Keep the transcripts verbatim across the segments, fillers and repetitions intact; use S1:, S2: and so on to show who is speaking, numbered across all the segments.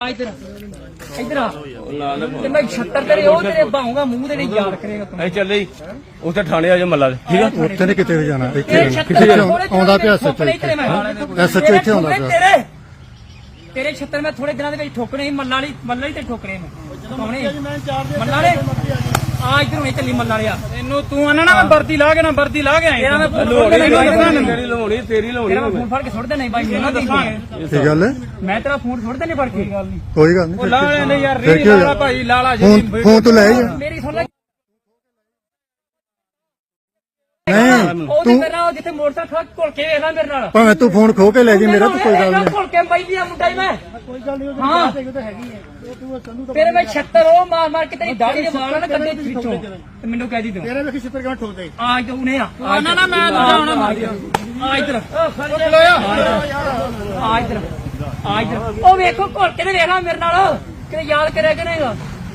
S1: इधर इधर आ ते मैं छत्तर तेरे ओ तेरे बाहूंगा मुंह ते नहीं याद करेगा तू।
S2: ऐ चल जी उसे थाने आ जा मल्ला ठीक है
S3: ਉੱਥੇ ਨਹੀਂ ਕਿਤੇ ਵੀ ਜਾਣਾ ਇੱਥੇ ਕਿਤੇ ਆਉਂਦਾ ਪਿਆ ਸੱਚ ਐਸਐਚਓ ਇੱਥੇ ਆਉਂਦਾ ਪਿਆ
S1: तेरे तेरे छत्तर मैं थोड़े दिनों ਦੇ ਵਿੱਚ ਠੋਕਣੇ ਸੀ ਮੱਲਾ ਵਾਲੀ ਮੱਲਾ ਹੀ ਤੇ ਠੋਕਣੇ ਮੈਂ ਕੌਣੇ ਮੱਲਾ ਵਾਲੇ ਆ ਇਧਰ ਹੁਣੇ ਚੱਲੀ ਮੱਲਾ ਵਾਲਿਆ ਇਹਨੂੰ ਤੂੰ ਆਣਾ ਨਾ ਮੈਂ ਵਰਦੀ ਲਾ ਕੇ ਨਾ ਵਰਦੀ ਲਾ ਕੇ ਆਇਆ ਤੇਰਾ ਮੈਂ
S2: ਤੇਰੀ ਲਵਾਉਣੀ ਤੇਰੀ ਲਵਾਉਣੀ
S1: ਤੇਰਾ ਫੋਨ ਫੜ ਕੇ ਸੁੱਟ ਦੇਣਾ ਬਾਈ ਮੈਨੂੰ ਦੱਸਾਂਗੇ
S3: ਕੀ ਗੱਲ ਹੈ
S1: ਮੈਂ ਤੇਰਾ ਫੋਨ ਸੁੱਟ ਦੇਣੇ ਫੜ ਕੇ
S3: ਕੋਈ ਗੱਲ ਨਹੀਂ
S1: ਉਹ ਲਾ ਲੈ ਯਾਰ ਰੀ ਲਾਲਾ ਭਾਈ ਲਾਲਾ ਜੀ
S3: ਫੋਨ ਫੋਨ ਤੋਂ ਲੈ ਜਾ
S1: ਮੇਰੀ ਸੁਣ ਲੈ
S3: ਨਹੀਂ
S1: ਤੂੰ ਮੇਰੇ ਨਾਲ ਜਿੱਥੇ ਮੋਟਰਸਾਈਕਲ ਘੁਲ ਕੇ ਵੇਖ ਲੈ ਮੇਰੇ ਨਾਲ
S3: ਭਾਵੇਂ ਤੂੰ ਫੋਨ ਖੋ ਕੇ ਲੈ ਜੀ ਮੇਰਾ ਤਾਂ ਕੋਈ ਗੱਲ ਨਹੀਂ
S1: ਘੁਲ ਕੇ ਬਾਈ ਦੀ ਮੁੰਡਾ ਹੀ ਮੈਂ ਕੋਈ ਗੱਲ ਨਹੀਂ ਹਾਂ ਤੇਰੇ ਮੈਂ ਛੱਤਰ ਉਹ ਮਾਰ ਮਾਰ ਕੇ ਤੇਰੀ ਦਾੜੀ ਦੇ ਵਾਲ ਨਾ ਕੱਢੇ ਵਿੱਚੋਂ ਤੇ ਮੈਨੂੰ ਕਹਿ ਦੀ ਤੂੰ
S3: ਤੇਰੇ ਵੇਖੀ ਛਿੱਤਰ ਕਿਵੇਂ ਠੋਕਦੇ
S1: ਆ ਤੂੰ ਨੇ ਆ ਨਾ ਨਾ ਮੈਂ ਦੂਜਾ ਹੁਣ ਮਾਰ ਆ ਇਧਰ ਆ ਇਧਰ ਆ ਇਧਰ ਉਹ ਵੇਖੋ ਘੁਲ ਕੇ ਤੇ ਵੇਖ ਲੈ ਮੇਰੇ ਨਾਲ ਕਿਤੇ ਯਾਦ ਕਰਿਆ ਕਿ ਨਹੀਂਗਾ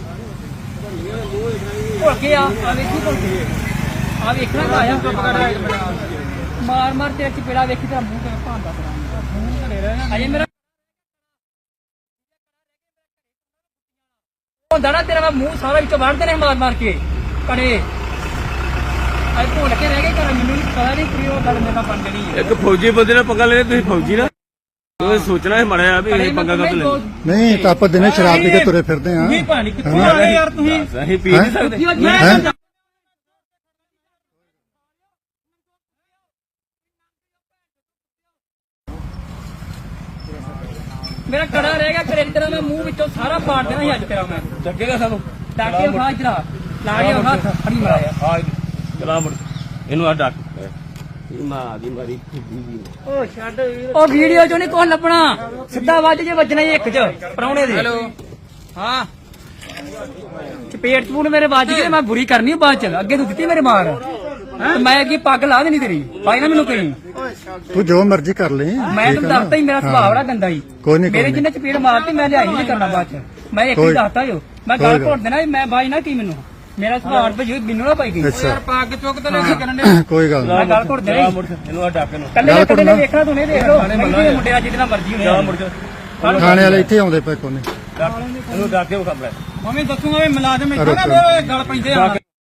S1: ਘੁਲ ਕੇ ਆ ਆ ਵੇਖੀ ਘੁਲ ਕੇ ਆ ਵੇਖਣਾ ਤਾਂ ਆਇਆ ਮਾਰ ਮਾਰ ਤੇ ਚਪੇੜਾ ਵੇਖੀ ਤਾਂ ਮੂੰਹ ਤੇ ਭਾਂਦਾ ਅਜੇ ਮੇਰਾ ਹੁੰਦਾ ਨਾ ਤੇਰਾ ਮੂੰਹ ਸਾਰਾ ਵਿੱਚੋਂ ਵੜਦੇ ਨੇ ਮਾਰ ਮਾਰ ਕੇ ਕੜੇ ਅੱਜ ਭੁੱਲ ਕੇ ਰਹਿ ਗਏ ਘਰ ਮੈਨੂੰ ਪਤਾ ਨਹੀਂ ਕਿ ਉਹ ਗੱਲ ਮੇਰੇ ਨਾਲ ਬਣ ਜਣੀ
S2: ਇੱਕ ਫੌਜੀ ਬੰਦੇ ਨਾਲ ਪੰਗਾ ਲੈਣੇ ਤੁਸੀਂ ਫੌਜੀ ਨਾ ਤੁਸੀਂ ਸੋਚਣਾ ਹੈ ਮੜਿਆ ਵੀ ਇਹ ਪੰਗਾ ਕਦ ਲੈ
S3: ਨਹੀਂ ਤਾਂ ਆਪਾਂ ਦਿਨੇ ਸ਼ਰਾਬ ਪੀ ਕੇ ਤੁਰੇ ਫਿਰਦੇ ਆ
S1: ਨਹੀਂ ਪਾਣੀ ਕਿੱਥੋਂ ਆ ਗਏ ਯਾਰ ਤੁਸੀਂ
S2: ਅਸੀਂ ਪੀ ਨਹੀਂ ਸਕਦੇ
S1: ਮੇਰਾ ਕੜਾ ਰਹਿ ਗਿਆ ਕਰੇ ਤੇਰਾ ਮੈਂ ਮੂੰਹ ਵਿੱਚੋਂ ਸਾਰਾ ਪਾੜ ਦੇਣਾ ਸੀ ਅੱਜ ਤੇਰਾ ਮੈਂ
S2: ਚੱਕੇਗਾ ਸਾਨੂੰ
S1: ਡਾਕੇ ਖਾ ਇਧਰ ਲਾ ਗਿਆ ਹੱਥ ਫੜੀ ਮਾਰਿਆ
S2: ਆ ਚਲਾ ਮੁੜ ਇਹਨੂੰ ਆ ਡੱਕ ਮਾਂ ਦੀ ਮਾਰੀ
S1: ਉਹ ਛੱਡ ਉਹ ਵੀਡੀਓ ਚੋਂ ਨਹੀਂ ਕੁਝ ਲੱਭਣਾ ਸਿੱਧਾ ਵੱਜ ਜੇ ਵੱਜਣਾ ਹੀ ਇੱਕ ਚ ਪਰੌਣੇ ਦੇ ਹੈਲੋ ਹਾਂ ਚਪੇਟ ਚਪੂਨ ਮੇਰੇ ਵੱਜ ਗਏ ਮੈਂ ਬੁਰੀ ਕਰਨੀ ਬਾਅਦ ਚ ਅੱਗੇ ਤੂੰ ਦਿੱਤੀ ਮੇਰੇ ਮਾਰ ਤੇ ਮੈਂ ਅੱਗੇ ਪੱਗ ਲਾ ਦੇਣੀ ਤੇਰੀ ਭਾਈ ਨਾ ਮੈਨੂੰ ਕਹੀਂ
S3: ਤੂੰ ਜੋ ਮਰਜ਼ੀ ਕਰ ਲੈ
S1: ਮੈਂ ਤੈਨੂੰ ਦੱਸਤਾ ਹੀ ਮੇਰਾ ਸੁਭਾਅ ਬੜਾ ਗੰਦਾ ਹੀ
S3: ਕੋਈ ਨਹੀਂ
S1: ਮੇਰੇ ਜਿੰਨੇ ਚਪੇੜ ਮਾਰਤੀ ਮੈਂ ਲਿਆਈ ਨਹੀਂ ਕਰਨਾ ਬਾਅਦ ਚ ਮੈਂ ਇੱਕ ਹੀ ਦੱਸਤਾ ਜੋ ਮੈਂ ਗੱਲ ਘੋਟ ਦੇਣਾ ਮੈਂ ਬਾਈ ਨਾ ਕੀ ਮੈਨੂੰ ਮੇਰਾ ਸੁਭਾਅ ਭਜੂ ਮੈਨੂੰ ਨਾ ਪਾਈ ਗਈ ਯਾਰ ਪੱਗ ਚੁੱਕ ਤੇ ਲੈ ਕੇ ਕਰਨ ਦੇ
S3: ਕੋਈ ਗੱਲ
S1: ਮੈਂ ਗੱਲ ਘੋਟ ਦੇਣਾ
S2: ਇਹਨੂੰ ਆ ਡੱਕ ਇਹਨੂੰ
S1: ਕੱਲੇ ਕੱਲੇ ਨੇ ਵੇਖਣਾ ਤੂੰ ਨਹੀਂ ਦੇਖ ਲੋ ਮੁੰਡੇ ਆ ਜਿਹਦੇ ਨਾਲ ਮਰਜ਼ੀ ਹੋਣੇ
S2: ਮੁੜ
S3: ਥਾਣੇ ਵਾਲੇ ਇੱਥੇ ਆਉਂਦੇ ਪਏ ਕੋਨੇ
S2: ਇਹਨੂੰ ਡੱਕ ਕੇ ਕੰਮ ਲੈ
S1: ਮੰਮੀ ਦੱਸੂਗਾ ਵੀ ਮੁਲਾਜ਼ਮ ਇੱਥੇ ਨਾ ਗੱਲ ਪੈਂਦੇ ਆ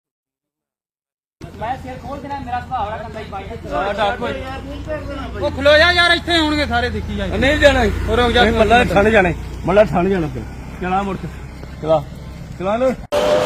S1: ਮੈਂ ਸਿਰ ਖੋਲ ਦੇਣਾ ਮੇਰਾ ਸੁਭਾਅ ਬੜਾ ਗੰਦਾ ਹੀ ਬਾਈ
S2: ਆ ਡੱਕ
S1: ਉਹ ਖਲੋ ਜਾ ਯਾਰ ਇੱਥੇ ਆਉਣਗੇ ਸਾਰੇ ਦੇਖੀ ਜਾ
S2: ਨਹੀਂ ਜਾਣਾ
S1: ਰੁਕ ਜਾ
S2: ਮੱਲਾ ਠਾਣੇ ਜਾਣਾ ਮੱਲਾ ਠਾਣੇ ਜਾਣਾ ਚਲਾ ਮੁੜ ਚਲਾ ਚਲਾ ਲੋ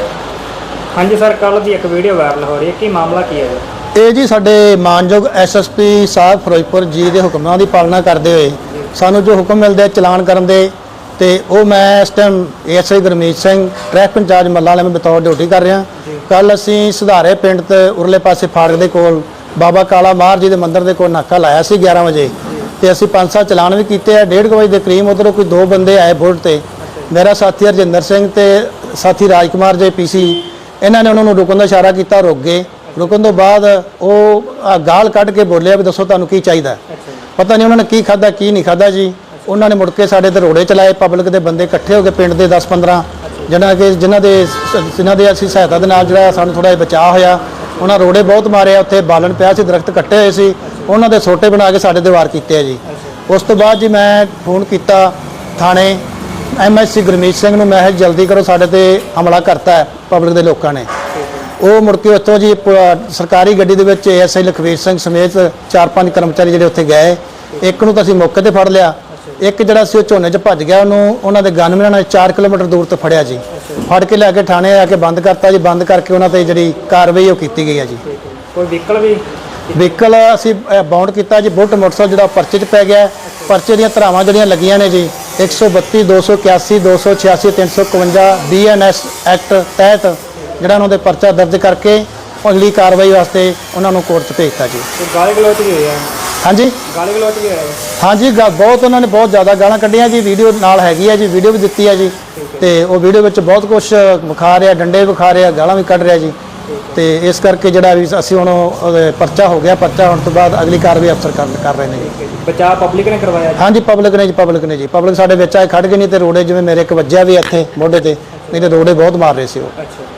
S1: ਹਾਂਜੀ ਸਰ ਕੱਲ ਦੀ ਇੱਕ ਵੀਡੀਓ ਵਾਇਰਲ ਹੋ ਰਹੀ ਹੈ ਕੀ ਮਾਮਲਾ ਕੀ ਹੈ
S3: ਇਹ ਜੀ ਸਾਡੇ ਮਾਨਯੋਗ ਐਸਐਸਪੀ ਸਾਹਿਬ ਫਿਰੋਜ਼ਪੁਰ ਜੀ ਦੇ ਹੁਕਮਾਂ ਦੀ ਪਾਲਣਾ ਕਰਦੇ ਹੋਏ ਸਾਨੂੰ ਜੋ ਹੁਕਮ ਮਿਲਦੇ ਚਲਾਨ ਕਰਨ ਦੇ ਤੇ ਉਹ ਮੈਂ ਇਸ time ASI Gurmeet Singh traffic incharge ਮੱਲਾ ਵਾਲੇ ਮੈਂ ਬਤੌਰ ਡਿਊਟੀ ਕਰ ਰਿਹਾ ਕੱਲ ਅਸੀਂ ਸੁਧਾਰੇ ਪਿੰਡ ਤੇ ਉਰਲੇ ਪਾਸੇ ਫਾੜਕ ਦੇ ਕੋਲ ਬਾਬਾ ਕਾਲਾ ਮਾਰ ਜੀ ਦੇ ਮੰਦਿਰ ਦੇ ਕੋਲ ਨਾਕਾ ਲਾਇਆ ਸੀ ਗਿਆਰਾਂ ਵਜੇ ਤੇ ਅਸੀਂ ਪੰਜ ਸੱਤ ਚਲਾਨ ਵੀ ਕੀਤੇ ਆ ਡੇਢ ਵਜੇ ਦੇ ਕਰੀਬ ਉਧਰੋਂ ਕੋਈ ਦੋ ਬੰਦੇ ਆਏ ਬੁਲਟ ਤੇ ਮੇਰਾ ਸਾਥੀ ਹਰਜਿੰਦਰ ਸਿੰਘ ਤੇ ਸਾਥੀ ਰਾਜਕੁਮਾਰ ਜੇ ਪੀਸੀ ਇਹਨਾਂ ਨੇ ਉਹਨਾਂ ਨੂੰ ਰੁਕਣ ਦਾ ਇਸ਼ਾਰਾ ਕੀਤਾ ਰੁਕ ਗਏ ਰੁਕਣ ਤੋਂ ਬਾਅਦ ਉਹ ਗਾਲ ਕੱਢ ਕੇ ਬੋਲਿਆ ਵੀ ਦੱਸੋ ਤੁਹਾਨੂੰ ਕੀ ਚਾਹੀਦਾ ਪਤਾ ਨਹੀਂ ਉਹਨਾਂ ਨੇ ਕੀ ਖਾਦਾ ਕੀ ਨਹੀਂ ਖਾਦਾ ਜੀ ਉਹਨਾਂ ਨੇ ਮੁੜ ਕੇ ਸਾਡੇ ਤੇ ਰੋੜੇ ਚਲਾਏ ਪਬਲਿਕ ਦੇ ਬੰਦੇ ਇਕੱਠੇ ਹੋ ਕੇ ਪਿੰਡ ਦੇ ਦਸ ਪੰਦਰਾਂ ਜਿਹਨਾਂ ਕਿ ਜਿਨ੍ਹਾਂ ਦੇ ਜਿਨ੍ਹਾਂ ਦੇ ਅਸੀਂ ਸਹਾਇਤਾ ਦੇ ਨਾਲ ਜਿਹੜਾ ਸਾਨੂੰ ਥੋੜਾ ਜਿਹਾ ਬਚਾਅ ਹੋਇਆ ਉਹਨਾਂ ਰੋੜੇ ਬਹੁਤ ਮਾਰੇ ਆ ਉੱਥੇ ਬਾਲਣ ਪਿਆ ਸੀ ਦਰਖਤ ਕੱਟੇ ਹੋਏ ਸੀ ਉਹਨਾਂ ਦੇ ਸੋਟੇ ਬਣਾ ਕੇ ਸਾਡੇ ਤੇ ਵਾਰ ਕੀਤੇ ਆ ਜੀ ਉਸ ਤੋਂ ਬਾਅਦ ਜੀ ਮੈਂ ਫੋਨ ਕੀਤਾ ਥਾਣੇ ਐਮਐਸਸੀ ਗੁਰਮੀਤ ਸਿੰਘ ਨੂੰ ਮੈਂ ਜਲਦੀ ਕਰੋ ਸਾਡੇ ਤੇ ਹਮਲਾ ਕਰਤਾ ਹੈ ਪਬਲਿਕ ਦੇ ਲੋਕਾਂ ਨੇ ਉਹ ਮੁੜ ਕੇ ਉੱਥੋਂ ਜੀ ਸਰਕਾਰੀ ਗੱਡੀ ਦੇ ਵਿੱਚ ਏਐਸਆਈ ਲਖਵੀਰ ਸਿੰਘ ਸਮੇਤ ਚਾਰ ਪੰਜ ਕਰਮਚਾਰੀ ਜਿਹੜੇ ਉੱਥੇ ਗਏ ਇੱਕ ਨੂੰ ਤਾਂ ਅਸੀਂ ਮੌਕੇ ਤੇ ਫੜ ਲਿਆ ਇੱਕ ਜਿਹੜਾ ਸੀ ਉਹ ਝੋਨੇ 'ਚ ਭੱਜ ਗਿਆ ਉਹਨੂੰ ਉਹਨਾਂ ਦੇ ਗਨਮੈਨਾਂ ਨੇ ਚਾਰ ਕਿਲੋਮੀਟਰ ਦੂਰ ਤੋਂ ਫੜਿਆ ਜੀ ਫੜ ਕੇ ਲੈ ਕੇ ਥਾਣੇ ਆ ਕੇ ਬੰਦ ਕਰਤਾ ਜੀ ਬੰਦ ਕਰਕੇ ਉਹਨਾਂ ਤੇ ਜਿਹੜੀ ਕਾਰਵਾਈ ਉਹ ਕੀਤੀ ਗਈ ਹੈ ਜੀ
S1: ਕੋਈ ਵਹੀਕਲ ਵੀ
S3: ਵਹੀਕਲ ਅਸੀਂ ਬਾਉਂਡ ਕੀਤਾ ਜੀ ਬੁਲਟ ਮੋਟਰਸਾਈਕਲ ਜਿਹੜਾ ਪਰਚੇ 'ਚ ਪੈ ਗਿਆ ਪਰਚੇ ਦੀਆਂ ਧਾਰਾਵਾਂ ਜਿਹੜੀਆਂ ਲੱਗੀਆਂ ਨੇ ਜੀ ਇੱਕ ਸੌ ਬੱਤੀ ਦੋ ਸੌ ਇਕਿਆਸੀ ਦੋ ਸੌ ਛਿਆਸੀ ਤਿੰਨ ਸੌ ਇਕਵੰਜਾ ਬੀ ਐਨ ਐਸ ਐਕਟ ਤਹਿਤ ਜਿਹੜਾ ਉਹਨਾਂ ਦੇ ਪਰਚਾ ਦਰਜ ਕਰਕੇ ਅਗਲੀ ਕਾਰਵਾਈ ਵਾਸਤੇ ਉਹਨਾਂ ਨੂੰ ਕੋਰਟ 'ਚ ਭੇਜਤਾ ਜੀ
S1: ਗਾਲੀ ਗਲੋਚ ਵੀ ਹੋਇਆ
S3: ਹਾਂਜੀ
S1: ਗਾਲੀ ਗਲੋਚ ਵੀ ਹੋਇਆ
S3: ਹਾਂਜੀ ਬਹੁਤ ਉਹਨਾਂ ਨੇ ਬਹੁਤ ਜ਼ਿਆਦਾ ਗਾਲਾਂ ਕੱਢੀਆਂ ਜੀ ਵੀਡੀਓ ਨਾਲ ਹੈਗੀ ਹੈ ਜੀ ਵੀਡੀਓ ਵੀ ਦਿੱਤੀ ਹੈ ਜੀ ਤੇ ਉਹ ਵੀਡੀਓ ਵਿੱਚ ਬਹੁਤ ਕੁਝ ਵਿਖਾ ਰਿਹਾ ਡੰਡੇ ਵਿਖਾ ਰਿਹਾ ਗਾਲਾਂ ਵੀ ਕੱਢ ਰਿਹਾ ਜੀ ਤੇ ਇਸ ਕਰਕੇ ਜਿਹੜਾ ਵੀ ਅਸੀਂ ਹੁਣ ਪਰਚਾ ਹੋ ਗਿਆ ਪਰਚਾ ਹੋਣ ਤੋਂ ਬਾਅਦ ਅਗਲੀ ਕਾਰਵਾਈ ਅਫਸਰ ਕਰ ਰਹੇ ਨੇ ਜੀ
S1: ਬਚਾਅ ਪਬਲਿਕ ਨੇ ਕਰਵਾਇਆ
S3: ਹਾਂਜੀ ਪਬਲਿਕ ਨੇ ਜੀ ਪਬਲਿਕ ਨੇ ਜੀ ਪਬਲਿਕ ਸਾਡੇ ਵਿੱਚ ਆਏ ਖੜ ਗਏ ਨਹੀਂ ਤੇ ਰੋੜੇ ਜਿਵੇਂ ਮੇਰੇ ਇੱਕ ਵੱਜਿਆ ਵੀ ਇੱਥੇ ਮੋਢੇ ਤੇ ਨਹੀਂ ਤੇ ਰੋੜੇ ਬਹੁਤ ਮਾਰ ਰਹੇ ਸੀ ਉਹ